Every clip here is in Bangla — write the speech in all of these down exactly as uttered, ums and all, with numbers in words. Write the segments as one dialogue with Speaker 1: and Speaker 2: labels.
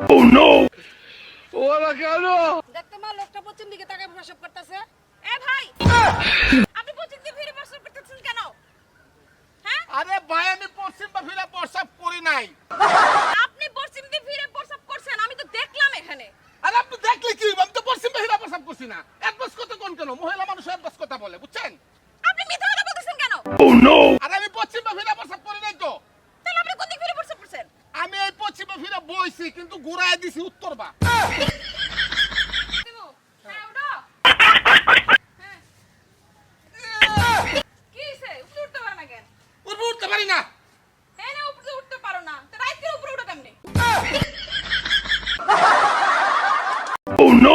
Speaker 1: Oh no! ওরা কেন?
Speaker 2: দেখতে মা লোকটা পশ্চিম দিকে তাকায় প্রসব করতেছে। এ ভাই আপনি পশ্চিম দিকে ফিরে প্রসব করতেছেন কেন? হ্যাঁ?
Speaker 3: আরে ভাই আমি পশ্চিম বা ফিরে প্রসাব করি নাই।
Speaker 2: আপনি পশ্চিম দিকে ফিরে প্রসব করছেন আমি তো দেখলাম এখানে।
Speaker 3: আরে আপনি দেখলে কি আমি তো পশ্চিম বা ফিরে প্রসাব করছি না। একবাস কথা কোন কেন? মহিলা মানুষ একবাস কথা বলে বুঝছেন?
Speaker 2: আপনি মিথ্যা কথা বলতেছেন কেন?
Speaker 1: Oh no!
Speaker 3: আরে আমি পশ্চিম বা ফিরে প্রসাব করি নাই তো।
Speaker 2: তাহলে আপনি কোন দিকে ফিরে প্রসব করছেন?
Speaker 3: আমি এই পশ্চিম বা ফিরে বইছি কিন্তু ঘুরায় দিছি উত্তর বা।
Speaker 2: দিমু। হ্যাঁ উঠো। হ্যাঁ। কি হইছে? উপরে উঠতে পারে না কেন?
Speaker 3: উপরে উঠতে পারি না।
Speaker 2: হ্যাঁ না উপরে উঠতে পারো না। তো রাইতের উপরে উঠো কেমনে?
Speaker 1: Oh no!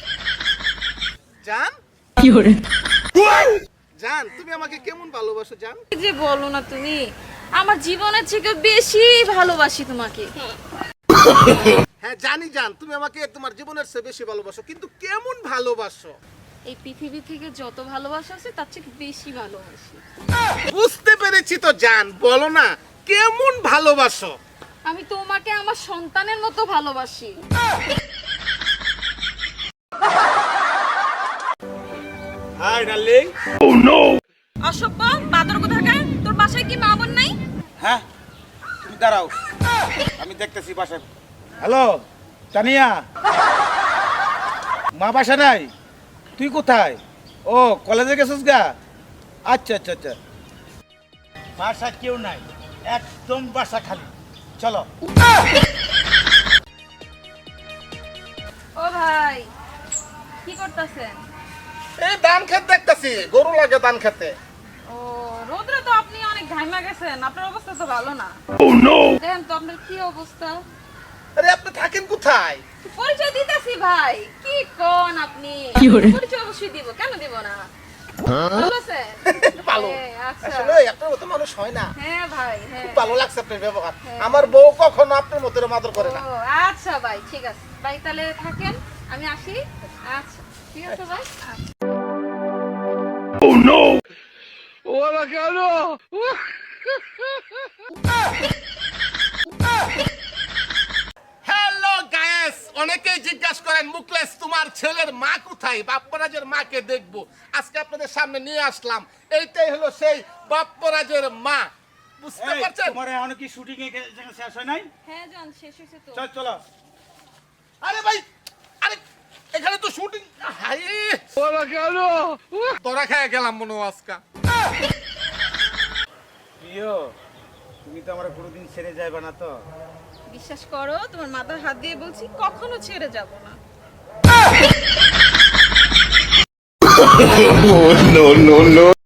Speaker 3: জান
Speaker 1: কি হরে?
Speaker 3: জান তুমি আমাকে কেমন ভালোবাসো জান?
Speaker 2: কি যে বলো না তুমি আমার জীবনের থেকে বেশি ভালোবাসি তোমাকে।
Speaker 3: হ্যাঁ জানি জান তুমি আমাকে তোমার জীবনের চেয়ে বেশি ভালোবাসো কিন্তু কেমন ভালোবাসো?
Speaker 2: এই পৃথিবী থেকে যত ভালোবাসা আছে তার চেয়ে বেশি ভালোবাসি।
Speaker 3: বুঝতে পেরেছি তো জান বলো না কেমন ভালোবাসো?
Speaker 2: আমি তোমাকে আমার সন্তানের মতো ভালোবাসি।
Speaker 4: Hi darling.
Speaker 1: Oh no!
Speaker 2: অসভ্য বাদর কোথাকার তোর বাসায় কি মা বোন নাই?
Speaker 4: হ্যাঁ তুমি দাঁড়াও আমি দেখতেছি বাসায়। হ্যালো তানিয়া, মা বাসা নাই? তুই কোথায়? ও কলেজে গেছিস গা? আচ্ছা আচ্ছা আচ্ছা বাসা কেউ নাই, একদম বাসা খালি। চলো।
Speaker 2: ও ভাই কি করতেছেন?
Speaker 3: এই ধান খেত দেখতেছি গরু লাগে ধান খেতে।
Speaker 2: ও রোদ্রে তো আপনি অনেক ঘাইমা গেছেন, আপনার অবস্থা তো ভালো না।
Speaker 1: Oh no!
Speaker 2: দেখেন তো আপনার কি অবস্থা।
Speaker 3: আরে আপনি থাকেন কোথায়?
Speaker 2: পরিচয় দিতেছি ভাই, কি কোন আপনি?
Speaker 1: কি বলে?
Speaker 2: পরিচয় অবশ্যই দিব, কেন দিব না? ভালো আছেন?
Speaker 3: ভালো
Speaker 2: হ্যাঁ, আচ্ছা।
Speaker 3: আসলে আপনার মতো মানুষ হয় না।
Speaker 2: হ্যাঁ ভাই হ্যাঁ।
Speaker 3: খুব ভালো লাগছে আপনার ব্যবহার।
Speaker 2: হ্যাঁ।
Speaker 3: আমার বউ কখনো আপনার মতো এরকম আদর করে না।
Speaker 2: ও আচ্ছা ভাই ঠিক আছে, ভাই তাহলে থাকেন আমি আসি। আচ্ছা ঠিক আছে ভাই। আচ্ছা।
Speaker 1: Oh no! ওরা কেন?
Speaker 3: হ্যালো গায়েস, অনেকেই জিজ্ঞাসা করেন মুকলেশ তোমার ছেলের মা কোথায়? বাপ্পরাজের মাকে দেখবো, আজকে আপনাদের সামনে নিয়ে আসলাম। এইটাই হলো সেই বাপ্পরাজের মা, বুঝতে পারছেন?
Speaker 4: তোমার এখন কি শুটিং এ শেষ হয় নাই?
Speaker 2: হ্যাঁ জান শেষ হয়েছে তো।
Speaker 4: চল চলো।
Speaker 3: আরে ভাই, আরে এখানে তো শুটিং। হাই
Speaker 1: ওরা কেন?
Speaker 3: তোরা খেয়ে গেলাম মনে হয় আজকা।
Speaker 4: প্রিয় তুমি তো আমার কোনোদিন ছেড়ে যাবে না তো?
Speaker 2: বিশ্বাস করো তোমার মাথার হাত দিয়ে বলছি কখনো ছেড়ে যাব না।
Speaker 1: Oh no no no!